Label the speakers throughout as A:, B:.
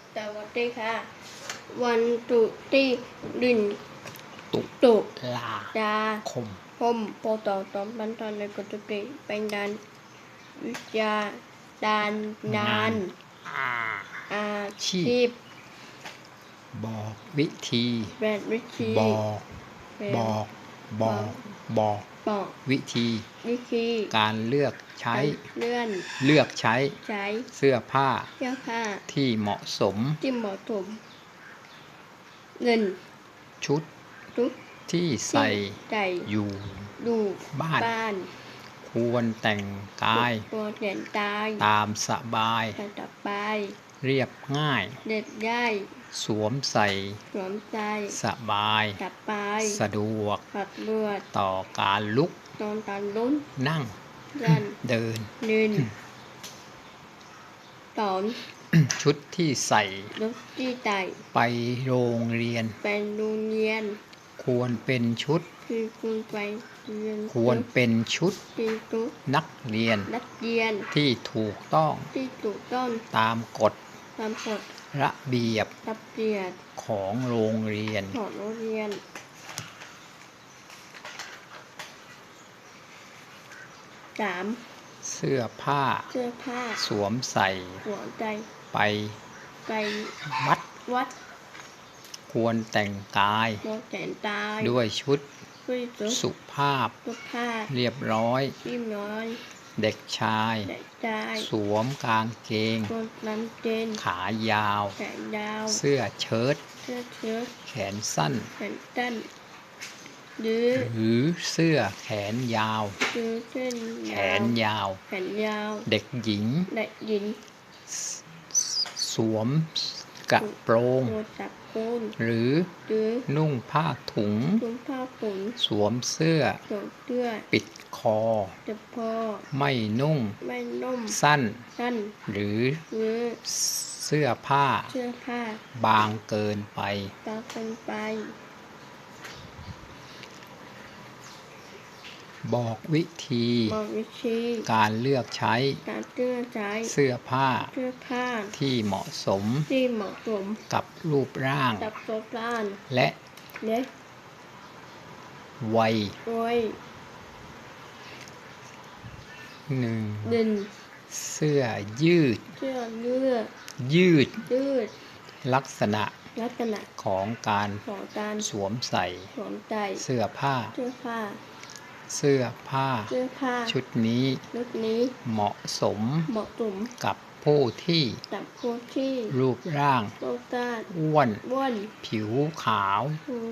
A: สวัสดีค่ะวันตุที่ดินตุ
B: ลาคม
A: ปตตอมบันทอนในกฎติเป็นด้านวิทยาด้านงานอาชีพ
B: บอกวิธีบอกวิธีการเลือกใช้เสื้อผ้าที่เหมาะสม
A: เงิน
B: ชุดที่ใส่อยู่บ้านควรแต่งกายตามสบายเรียบง่ายสวมใส่สบายสะดวกต่อการลุกนั่งเดินชุดที่ใส่ไปโรงเรียนควรเป็นชุดนักเรียนที่ถูกต้องตามกฎระเบียบของโรงเรียน 3. เสื้อผ้าสวมใส่ไปวัดควรแต่งกายด้วยชุดสุภาพเรียบร้อยเด็กชายสวมกางเกงขายาวเสื้อเชิ้ตแขนสั้นหรือเสื้อแขนยาวเด็กหญิงสวมกระโปรงหรือนุ่งผ้าถุงสวมเสื้อปิดคอไม่นุ่งสั้นหรือเสื้อผ้าบางเกินไปบอกวิธีการเลือกใช้เสื้อผ้าที่เหมาะสมกับรูปร่างและวัย 1. เสื้อยืดลักษณะของการสวมใส่เสื้อผ้าชุดนี้เหมาะสมกับผู้ที่รูปร่างอ้วนผิวขาว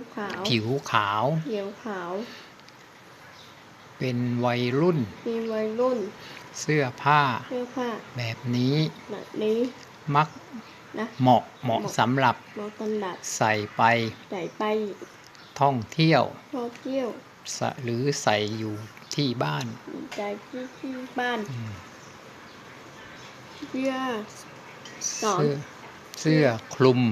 B: เป็นวัยรุ่นเสื้อผ้าแบบนี้มักเหมาะสำหรับใส่ไปท่องเที่ยวหรือใส่อยู่ที่บ้านเสื้อคลุม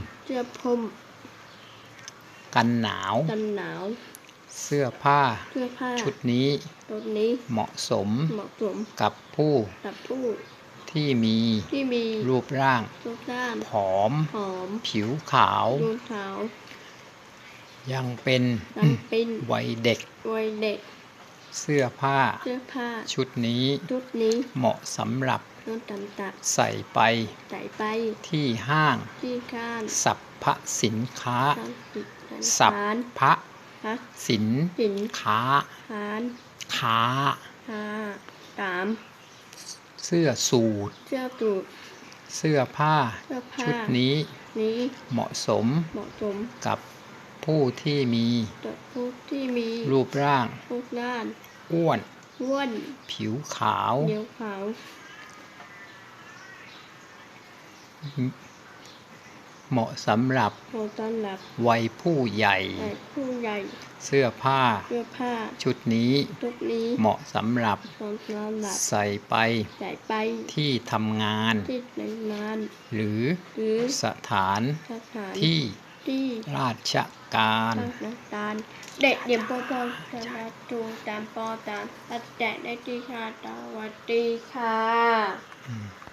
B: กันหนาวเสื้อผ้าชุดนี้เหมาะสมกับผู้ที่มีรูปร่างผอมผิวขาวยังเป็นวัยเด็กเสื้อผ้าชุดนี้เหมาะสำหรับใส่ไปที่ห้างสรรพสินค้าเสื้อสูทเสื้อผ้าชุดนี้เหมาะสมกับผู้ที่มีรูปร่างอ้วนผิวขาวเหมาะสำหรับวัยผู้ใหญ่เสื้อผ้าชุดนี้เหมาะสำหรับใส่ไปที่ทำงานหรือสถานที่ราชการ
A: เด็กเดี่ยมปอปอจะจูตามปอตามปัจจัยได้ที่ค่ะสวัสดีค่ะ